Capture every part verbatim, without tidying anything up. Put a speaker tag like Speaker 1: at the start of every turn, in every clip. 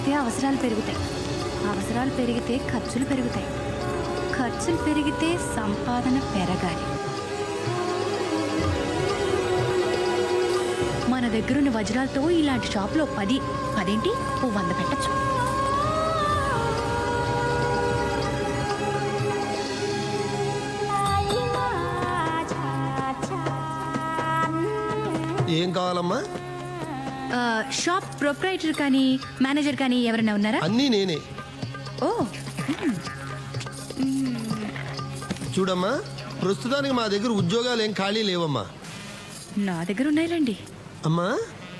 Speaker 1: పెరిగితే అవసరాలు పెరుగుతాయి, అవసరాలు పెరిగితే ఖర్చులు పెరుగుతాయి, ఖర్చులు పెరిగితే సంపాదన పెరగాలి. మన దగ్గరున్న వజ్రాలతో ఇలాంటి షాప్లో పది పదేంటి ఓ వంద పెట్టచ్చు.
Speaker 2: ఏం కావాలమ్మా?
Speaker 1: షాప్ ప్రొప్రైటర్ కానీ మేనేజర్ కానీ ఎవరైనా ఉన్నారా?
Speaker 2: అన్నీ నేనే.
Speaker 1: ఓ
Speaker 2: చూడమ్మా, ప్రస్తుతానికి మా దగ్గర ఉద్యోగాలు ఏం ఖాళీ లేవమ్మా.
Speaker 1: నా దగ్గర ఉన్నాయిలేండి.
Speaker 2: అమ్మా,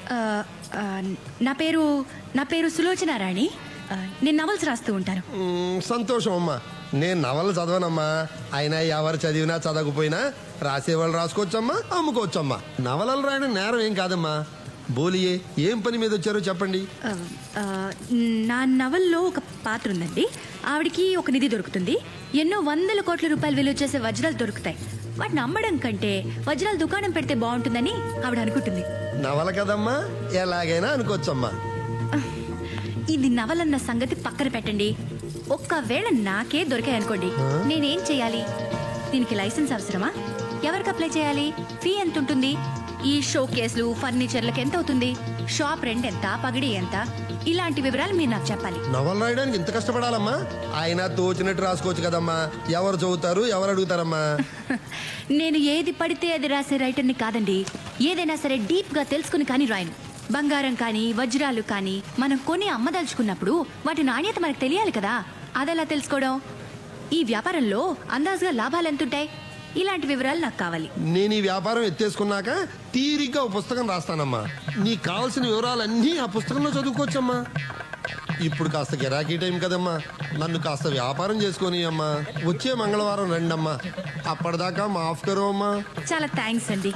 Speaker 1: నా పేరు నా పేరు సులోచన రాణి. నేను నవల్స్ రాస్తూ ఉంటాను.
Speaker 2: సంతోషం అమ్మా. నేను నవలు చదవనమ్మా. అయినా ఎవరు చదివినా చదవకపోయినా రాసేవాళ్ళు రాసుకోవచ్చమ్మా, అమ్ముకోవచ్చమ్మా. నవలలు రాయడం నేరం ఏం కాదమ్మా. బోలియే, ఏం పని మీద వచ్చారో చెప్పండి.
Speaker 1: నా నవల్లో ఒక పాత్ర ఉందండి. ఆవిడికి ఒక నిధి దొరుకుతుంది. ఎన్నో వందల కోట్ల రూపాయలు విలువ చేసే వజ్రాలు దొరుకుతాయి. వాటిని అమ్మడం కంటే వజ్రాల దుకాణం పెడితే బాగుంటుందని ఆవిడ అనుకుంటుంది.
Speaker 2: నవల కదమ్మా, ఎలాగైనా అనుకోవచ్చమ్మా.
Speaker 1: ఇది నవలన్న సంగతి పక్కన పెట్టండి. ఒక్కవేళ నాకే దొరికాయనుకోండి, నేనేం చేయాలి? దీనికి లైసెన్స్ అవసరమా? ఎవరికి అప్లై చేయాలి? ఫీ ఎంత ఉంటుంది? ఈ షో కేసులు ఫర్నిచర్లకు ఎంత అవుతుంది? షాప్ రెంట్ ఎంత? పగిడి ఎంత? ఇలాంటి వివరాలు మీరు నాకు చెప్పాలి.
Speaker 2: నవలు రాయడానికి ఇంత కష్టపడాలమ్మా? ఆయన తోచినట్టు రాసుకోవచ్చు కదమ్మా. ఎవరు చదువుతారు, ఎవరు అడుగుతారమ్మా?
Speaker 1: నేను ఏది పడితే అది రాసే రైటర్ని కాదండి. ఏదైనా సరే డీప్ గా తెలుసుకుని కానీ రాయను. బంగారం కానీ వజ్రాలు కానీ మనం కొని అమ్మదలుచుకున్నప్పుడు వాటి నాణ్యత మనకు తెలియాలి కదా. అదెలా తెలుసుకోవడం? ఈ వ్యాపారంలో అందాజుగా లాభాలు ఎంతుంటాయి? ఇలాంటి వివరాలు నాకు కావాలి.
Speaker 2: నేను ఈ వ్యాపారం ఎత్తేసుకున్నాక తీరిగ్గా ఒక పుస్తకం రాస్తానమ్మా. నీకు కావాల్సిన వివరాలన్నీ ఆ పుస్తకంలో చదువుకోవచ్చమ్మా. ఇప్పుడు కాస్త గిరాకీ టైం కదమ్మా, నన్ను కాస్త వ్యాపారం చేసుకొని అమ్మా. వచ్చే మంగళవారం రండమ్మా. అప్పటిదాకా మాఫ్ కరో అమ్మా.
Speaker 1: చాలా థ్యాంక్స్ అండి.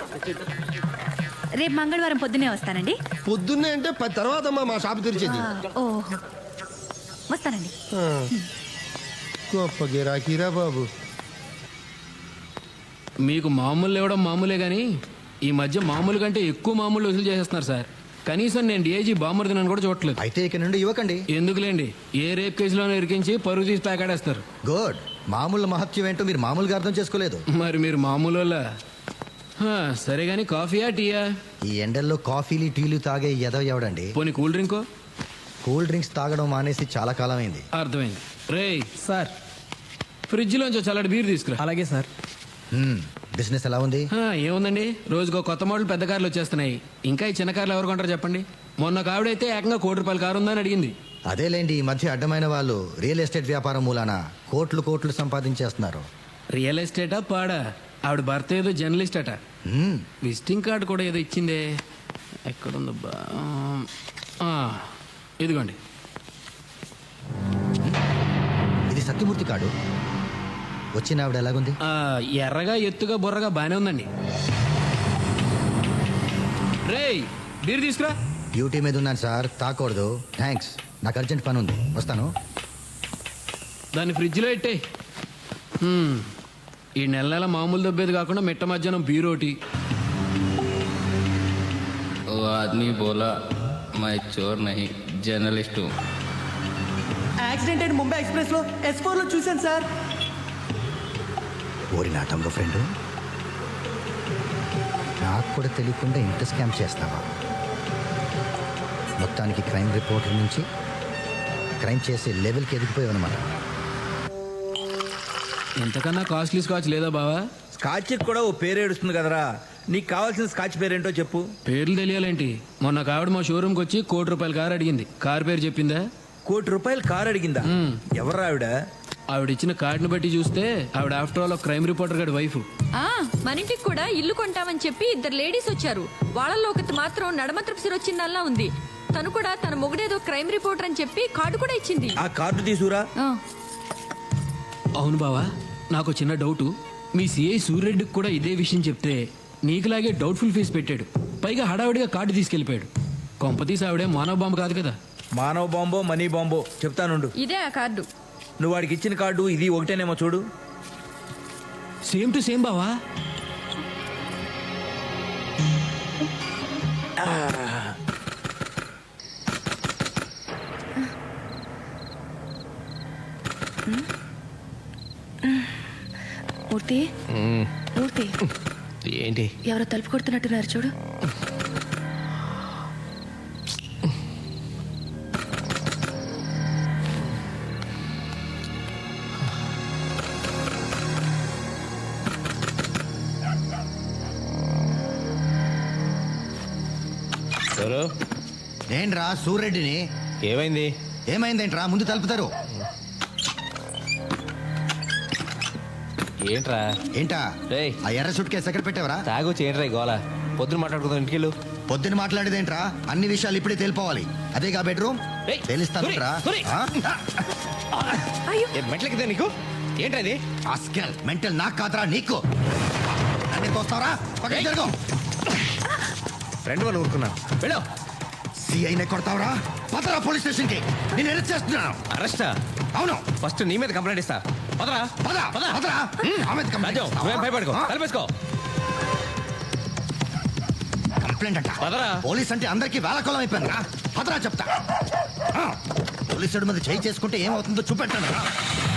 Speaker 1: రేపు మంగళవారం పొద్దున్నే వస్తానండి.
Speaker 2: పొద్దున్నే అంటే పది తర్వాత అమ్మా మా షాప్ తెరిచేది.
Speaker 1: ఓహో, వస్తానండి.
Speaker 2: గొప్ప గిరాకీరా బాబు.
Speaker 3: మీకు మామూలు ఇవ్వడం మామూలే కానీ ఈ మధ్య మామూలు కంటే ఎక్కువ మామూలు వసూలు చేసేస్తున్నారు సార్. కనీసం నేను డిఐజీ బామ్మర్దినని కూడా చూడట్లేదు.
Speaker 4: అయితే ఇక నుండి ఇవ్వకండి.
Speaker 3: ఎందుకులేండి, ఏ రేప్ కేసులోనే ఇరికించి పరుగు తీసి ప్యాకాడేస్తారు.
Speaker 4: గుడ్. మామూలు మహత్యం ఏంటో మీరు మామూలుగా అర్థం చేసుకోలేదు.
Speaker 3: మరి మీరు మామూలు సరే గానీ కాఫీయా టీయా?
Speaker 4: ఈ ఎండల్లో కాఫీలు టీలు తాగే ఎదవ ఎవడండి?
Speaker 3: పోనీ కూల్ డ్రింకో?
Speaker 4: కూల్ డ్రింక్స్ తాగడం మానేసి చాలా కాలం అయింది.
Speaker 3: అర్థమైంది. రేయ్
Speaker 5: సార్,
Speaker 3: ఫ్రిడ్జ్ లోంచి చల్లటి బీర్ తీసుకురా.
Speaker 5: అలాగే సార్.
Speaker 4: బిజినెస్ ఎలా ఉంది?
Speaker 3: ఏముందండి, రోజుకో కొత్త మోడల్ పెద్ద కార్లు వచ్చేస్తున్నాయి. ఇంకా ఈ చిన్న కార్లు ఎవరు కొంటారు చెప్పండి? మొన్న కావిడైతే ఏకంగా కోటి రూపాయల కారు ఉందని అడిగింది.
Speaker 4: అదేలేండి, ఈ మధ్య అడ్డమైన వాళ్ళు రియల్ ఎస్టేట్ వ్యాపారం మూలాన కోట్లు కోట్లు సంపాదించేస్తున్నారు.
Speaker 3: రియల్ ఎస్టేటా పాడా? ఆవిడ భర్త ఏదో జర్నలిస్ట్ అట. విజిటింగ్ కార్డు కూడా ఏదో ఇచ్చిందే. ఎక్కడుందబ్బా? ఇదిగోండి.
Speaker 4: ఇది సత్యమూర్తి కార్డు. వచ్చిన ఆవిడ ఎలాగుంది?
Speaker 3: ఎర్రగా ఎత్తుగా బుర్రగా బానే ఉందండి. రేయ్ బీర్ తీసుకురా.
Speaker 4: డ్యూటీ మీద ఉన్నాను సార్, తాకూడదు. థ్యాంక్స్, నాకు అర్జెంట్ పని ఉంది, వస్తాను.
Speaker 3: దాన్ని ఫ్రిడ్జ్లో పెట్టే. ఈ నెల నెల మామూలు దబ్బేది కాకుండా మిట్ట మధ్యాహ్నం బీరోటి.
Speaker 6: ఓ ఆద్మీ బోలా మై చోర్ నహీ జర్నలిస్టు.
Speaker 5: యాక్సిడెంట్ అయిన ముంబై ఎక్స్ప్రెస్ లో ఎస్ ఫోర్ లో చూశాను సార్.
Speaker 4: ఓరి నా తమ్ముడు ఫ్రెండ్, నాకు కూడా తెలియకుండా ఇంత స్కామ్ చేస్తావా? మొత్తానికి క్రైమ్ రిపోర్టర్ నుంచి క్రైమ్ చేసే లెవెల్కి ఎదిగిపోయావు అనమాట.
Speaker 3: ఎంతకన్నా కాస్ట్లీ స్కాచ్ లేదా బావా?
Speaker 7: స్కాచ్ కూడా ఓ పేరు ఏడుస్తుంది కదరా. నీకు కావాల్సిన స్కాచ్ పేరేంటో చెప్పు.
Speaker 3: పేర్లు తెలియాలేంటి? మొన్న కావిడ మా షోరూమ్కి వచ్చి కోటి రూపాయల కారు అడిగింది. కారు పేరు చెప్పిందా?
Speaker 7: కోటి రూపాయలు కారు అడిగిందా? ఎవరు ఆవిడ?
Speaker 3: ఆవిడ ఇచ్చిన కార్డుని బట్టి చూస్తే ఆవిడ ఆఫ్టర్ ఆల్ క్రైమ్ రిపోర్టర్ గారి వైఫ్.
Speaker 8: మన ఇంటికి కూడా ఇల్లు కొంటామని చెప్పి ఇద్దరు లేడీస్ వచ్చారు. వాళ్ళల్లో ఒకటి మాత్రం నడమత్రపు సిరొచ్చిందల్లా ఉంది. తను కూడా తన మొగుడేదో క్రైమ్ రిపోర్టర్ అని చెప్పి కార్డు కూడా ఇచ్చింది.
Speaker 7: ఆ కార్డు తీసుకురా.
Speaker 3: అవును బావా, నాకు చిన్న డౌటు. మీ సిఐ సూర్యరెడ్డికి కూడా ఇదే విషయం చెప్తే నీకులాగే డౌట్ఫుల్ ఫేస్ పెట్టాడు. పైగా హడావిడిగా కార్డు తీసుకెళ్లిపోయాడు. కొంపతీసి ఆవిడే మానవ బాంబు కాదు కదా?
Speaker 7: మానవ బాంబో మనీ బాంబో చెప్తానుండు.
Speaker 8: ఇదే ఆ కార్డు.
Speaker 7: నువ్వు వాడికి ఇచ్చిన కార్డు ఇది ఒకటేనేమో చూడు.
Speaker 3: సేమ్ టు సేమ్ బావా.
Speaker 1: మూర్తి మూర్తి
Speaker 6: ఏంటి
Speaker 1: ఎవరో తలుపు కొడుతున్నట్టున్నారు చూడు.
Speaker 6: ఎవరు
Speaker 4: ఏంట్రా సూర్రెడ్డిని?
Speaker 6: ఏమైంది?
Speaker 4: ఏమైందేంట్రా? ముందు తలుపుతారు.
Speaker 6: ఏంట్రా?
Speaker 4: ఏంటా
Speaker 6: రేయ్.
Speaker 4: ఆ ఎర్ర సూట్ కేసు ఎక్కడ పెట్టావరా?
Speaker 6: తాగొచ్చి ఏంట్రా ఈ గోల? పొద్దున మాట్లాడుకుందాం ఇంటికెళ్ళు.
Speaker 4: పొద్దున మాట్లాడేదేంట్రా? అన్ని విషయాలు ఇప్పుడే తెలిపోవాలి. అదేగా బెడ్రూమ్
Speaker 6: రేయ్,
Speaker 4: తెలుస్తానురా.
Speaker 6: సూరి, సూరి. మెట్లకిదే నీకు ఏంట్రా ఇది?
Speaker 4: ఆస్కెల్ మెంటల్ నాకు కాదురా నీకు. నన్ను తోస్తావరా? పక్కకి జరుగు.
Speaker 6: రెండు వాళ్ళు ఊరుకున్నాను. వెళ్ళు.
Speaker 4: సిఐనే కొడతావరా? పదరా పోలీస్ స్టేషన్ కి. నేను అరెస్ట్ చేస్తున్నాను.
Speaker 6: అరెస్టా?
Speaker 4: అవును.
Speaker 6: ఫస్ట్ నీ మీద కంప్లైంట్ ఇస్తా. పదరా
Speaker 4: పద పదరా. ఆమె కంప్లైంట్
Speaker 6: రాజు, నువ్వేం భయపడుకో. తలపేసుకో.
Speaker 4: కంప్లైంట్ అంట.
Speaker 6: పదరా.
Speaker 4: పోలీస్ అంటే అందరికీ వేలకోళం అయిపోయింది రా. పదరా చెప్తా. ఆ, పోలీసుడి మీద చేయి చేసుకుంటే ఏమవుతుందో చూపెట్టాను రా.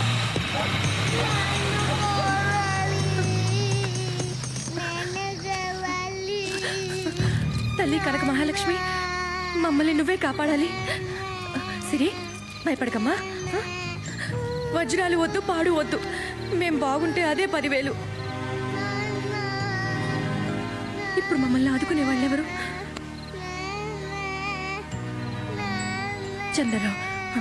Speaker 1: తల్లి కనక మహాలక్ష్మి, మమ్మల్ని నువ్వే కాపాడాలి. సిరి, భయపడకమ్మా. వజ్రాలు వద్దు, పాడు వద్దు. మేం బాగుంటే అదే పదివేలు. ఇప్పుడు మమ్మల్ని ఆదుకునే వాళ్ళెవరు? చంద్రరావు.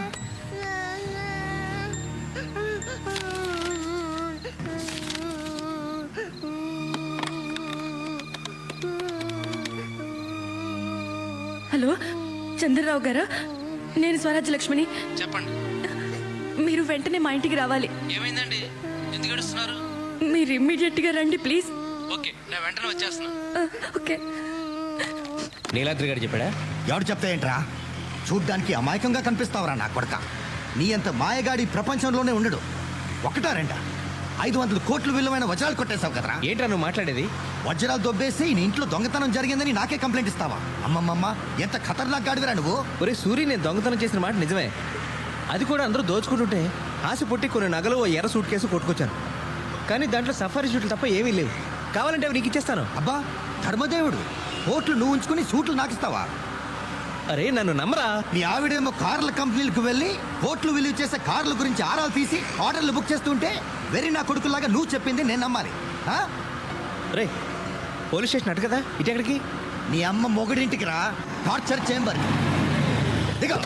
Speaker 1: హలో, చంద్రరావు గారా? నేను స్వరాజ్య లక్ష్మిని.
Speaker 3: చెప్పండి.
Speaker 1: మీరు వెంటనే మా ఇంటికి రావాలి.
Speaker 3: ఏమైందండి? ఎందుకు ఏడుస్తున్నారు?
Speaker 1: మీరు ఇమ్మీడియట్ గా రండి ప్లీజ్.
Speaker 3: ఓకే, నేను వెంటనే వచ్చేస్తున్నా.
Speaker 1: ఆ, ఓకే.
Speaker 6: నీలాద్రి గారు చెప్పాడా?
Speaker 4: ఎవడు చెప్తా ఏంట్రా? చూడ్డానికి అమాయకంగా కనిపిస్తావరా నా కొడక. నీ అంత మాయగాడి ప్రపంచంలోనే ఉండడు. ఒకటా రెండా ఐదు వందల కోట్ల విలువైన వజ్రాలు కొట్టేశావు కదరా.
Speaker 6: ఏంట్రా నువ్వు మాట్లాడేది?
Speaker 4: వజ్రాలు దొబ్బేసి నీ ఇంట్లో దొంగతనం జరిగిందని నాకే కంప్లైంట్ ఇస్తావా? అమ్మమ్మమ్మ, ఎంత ఖతర్నాక్ గాడివిరా నువ్వు.
Speaker 6: ఒరే సూరి, నేను దొంగతనం చేసిన మాట నిజమే. అది కూడా అందరూ దోచుకుంటుంటే ఆశ పుట్టి కొన్ని నగలు ఓ ఎర్ర సూట్ కేసు కొట్టుకొచ్చాను. కానీ దాంట్లో సఫారీ షూట్లు తప్ప ఏమీ లేవు. కావాలంటే అవి నీకు ఇచ్చేస్తాను.
Speaker 4: అబ్బా ధర్మదేవుడు, కోట్లు నువ్వు ఉంచుకుని సూట్లు నాకిస్తావా?
Speaker 6: అరే నన్ను నమ్మరా.
Speaker 4: నీ ఆవిడేమో కార్ల కంపెనీలకు వెళ్ళి కోట్లు విలువ చేసే కార్ల గురించి ఆరాలు తీసి ఆర్డర్లు బుక్ చేస్తుంటే వెరీ నా కొడుకులాగా నువ్వు చెప్పింది నేను నమ్మాలి? ఆ?
Speaker 6: రే పోలీస్ స్టేషన్ అటు కదా, ఇటు ఎక్కడికి?
Speaker 4: నీ అమ్మ మొగుడింటికి రా. Torture chamber. దిగో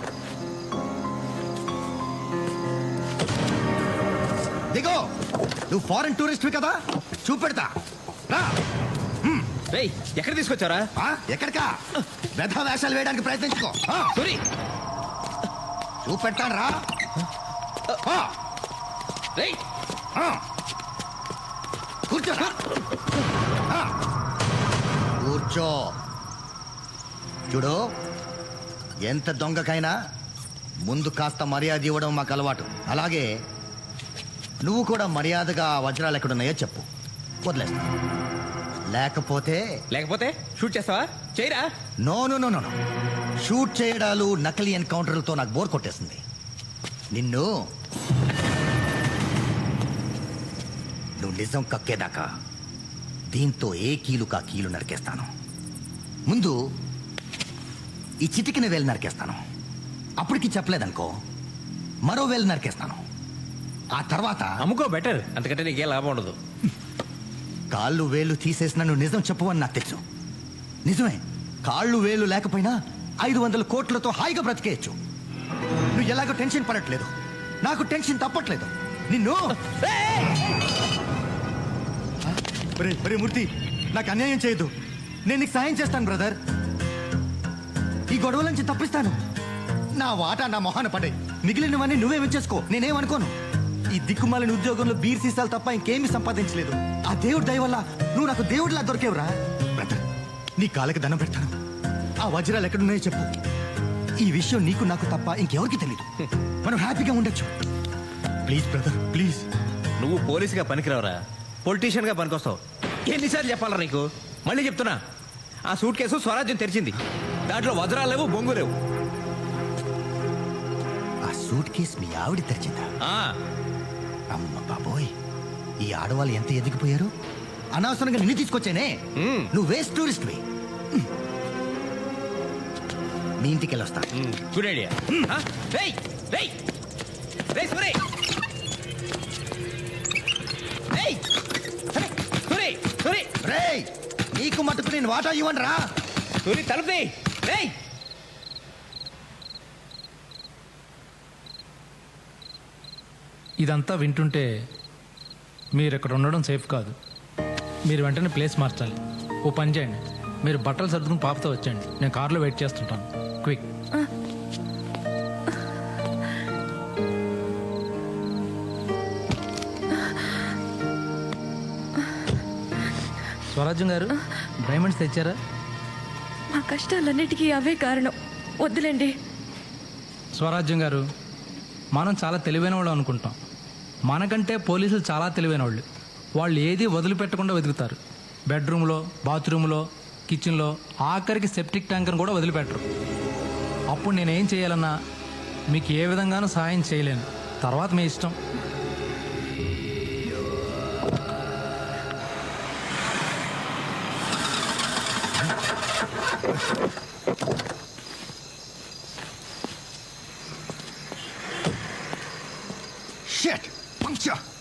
Speaker 4: దిగో. నువ్వు ఫారెన్ టూరిస్ట్ కదా, చూపెడతా రా.
Speaker 6: రేయ్ ఎక్కడ తీసుకొచ్చారా?
Speaker 4: ఆ? ఎక్కడికా? వ్యధ వేషాలు వేయడానికి ప్రయత్నించుకో. ఆ,
Speaker 6: సూరి
Speaker 4: చూపెట్టాను రా. ఆ,
Speaker 6: రేయ్
Speaker 4: ఆ. కూర్చో ఆ. కూర్చో. చూడు, ఎంత దొంగకైనా ముందు కాస్త మర్యాద ఇవ్వడం మాకు అలవాటు. అలాగే నువ్వు కూడా మర్యాదగా ఆ వజ్రాలు ఎక్కడున్నాయో చెప్పు, వదిలేస్తా. లేకపోతే
Speaker 6: లేకపోతే షూట్ చేస్తావా? చేయరా.
Speaker 4: No no no no no. Shoot చేయడాలు, నకిలీ ఎన్కౌంటర్లతో నాకు బోర్ కొట్టేసింది. నిన్ను నువ్వు నిజం కక్కేదాకా దీంతో ఏ కీలు కా కీలు నరికేస్తాను. ముందు ఈ చిటికిన వేలు నరికేస్తాను. అప్పటికి చెప్పలేదనుకో, మరో వేలు నరికేస్తాను. ఆ తర్వాత
Speaker 6: అమ్ముకో బెటర్, అంతకంటే నీకేం లాభం ఉండదు.
Speaker 4: కాళ్ళు వేలు తీసేసిన నువ్వు నిజం చెప్పవని నాకు తెలుసు. నిజమే, కాళ్ళు వేలు లేకపోయినా ఐదు వందల కోట్లతో హాయిగా బ్రతికేయచ్చు. నువ్వు ఎలాగో టెన్షన్ పడట్లేదు, నాకు టెన్షన్ తప్పట్లేదు. నిన్ను ఒరే, ఒరే మూర్తి, నాకు అన్యాయం చేయదు. నేను నీకు సాయం చేస్తాను బ్రదర్. ఈ గొడవల నుంచి తప్పిస్తాను. నా వాటా నా మొహాన పడే, మిగిలినవన్నీ నువ్వే ఉంచేసుకో, నేనేమనుకోను. ఈ దిక్కుమాలిన ఉద్యోగంలో బీర్ సీసాలు తప్ప ఇంకేమీ సంపాదించలేదు. ఆ దేవుడి దయ వల్ల నువ్వు నాకు దేవుడిలా దొరికేవురా. బ్రదర్, నీ కాళ్ళకి దండం పెడతాను. ఆ వజ్రాలు ఎక్కడున్నాయో చెప్పు. ఈ విషయం నీకు నాకు తప్ప ఇంకెవరికి తెలీదు. మనం హ్యాపీగా ఉండొచ్చు. Please brother, please.
Speaker 6: నువ్వు పోలీసుగా పనికిరావరా, పొలిటీషియన్ గా పనికొస్తావు. ఎన్నిసార్లు చెప్పాలరా నీకు? మళ్ళీ చెప్తున్నా, ఆ సూట్ కేసు స్వరాజ్యం తెరిచింది. దాంట్లో వజ్రాలు లేవు, బొంగు లేవు.
Speaker 4: ఆ సూట్ కేసు మీ ఆవిడ తెరిచిందా?
Speaker 6: ఆ,
Speaker 4: అమ్మ బాబోయ్, ఈ ఆడవాళ్ళు ఎంత ఎదిగిపోయారు. అనవసరంగా నిన్ను తీసుకొచ్చానే. నువ్వు వేస్ట్ టూరిస్ట్ మీ ఇంటికి వెళ్ళొస్తా.
Speaker 6: Good idea.
Speaker 4: రేయ్, నీకు మటుకు నేను వాటా ఇవ్వను రా.
Speaker 6: తలుపే.
Speaker 9: ఇదంతా వింటుంటే మీరు ఇక్కడ ఉండడం సేఫ్ కాదు. మీరు వెంటనే ప్లేస్ మార్చాలి. ఓ పని చేయండి, మీరు బట్టలు సర్దుకుని పాపతో వచ్చేయండి. నేను కార్లో వెయిట్ చేస్తుంటాను. క్విక్. స్వరాజ్యం గారు, డైమండ్స్ తెచ్చారా?
Speaker 8: మా కష్టాలన్నిటికీ అవే కారణం. వద్దులేండి.
Speaker 9: స్వరాజ్యం గారు, మనం చాలా తెలివైన వాళ్ళు అనుకుంటాం. మనకంటే పోలీసులు చాలా తెలివైన వాళ్ళు. వాళ్ళు ఏది వదిలిపెట్టకుండా వెతుకుతారు. బెడ్రూమ్లో, బాత్రూంలో, కిచెన్లో, ఆఖరికి సెప్టిక్ ట్యాంకర్ని కూడా వదిలిపెట్టరు. అప్పుడు నేనేం చేయాలన్నా మీకు ఏ విధంగానూ సహాయం చేయలేను. తర్వాత మీ ఇష్టం.
Speaker 4: Shit! Puncture!